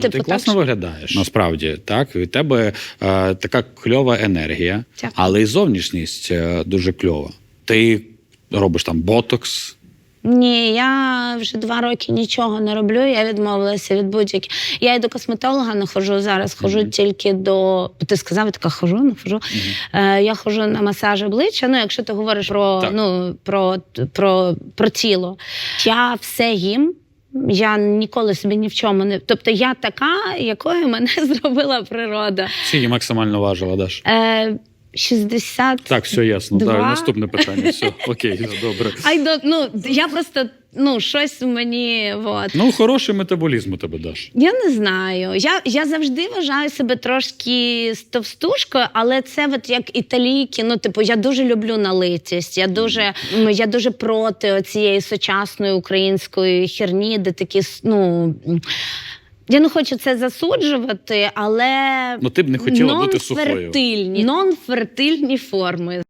Ти Типу, класно виглядаєш, насправді, так? Від тебе така кльова енергія, Дякую. але і зовнішність дуже кльова. Ти робиш там ботокс. Ні, я вже 2 роки нічого не роблю, я відмовилася від будь-яких. Я і до косметолога не ходжу зараз, ходжу тільки до... Ти сказав, я така ходжу, не ходжу. Я ходжу на масаж обличчя, ну, якщо ти говориш про, Так. ну, про тіло. Я все їм. Я ніколи собі ні в чому не... Тобто я така, якою мене зробила природа. Скільки максимально важила, Даш? 60. Так, все ясно. Два. Да, наступне питання. Все, окей, добре. Ну, я просто, ну, щось мені, вот. Ну, хороший метаболізм у тебе, Даш. Я не знаю. Я завжди вважаю себе трошки товстушкою, але це от як італійки, ну, типу, я дуже люблю налитість, я дуже проти цієї сучасної української херні, де такі, ну... Я не хочу це засуджувати, але Ну, ти б не хотіла бути сухою. нонфертильні форми.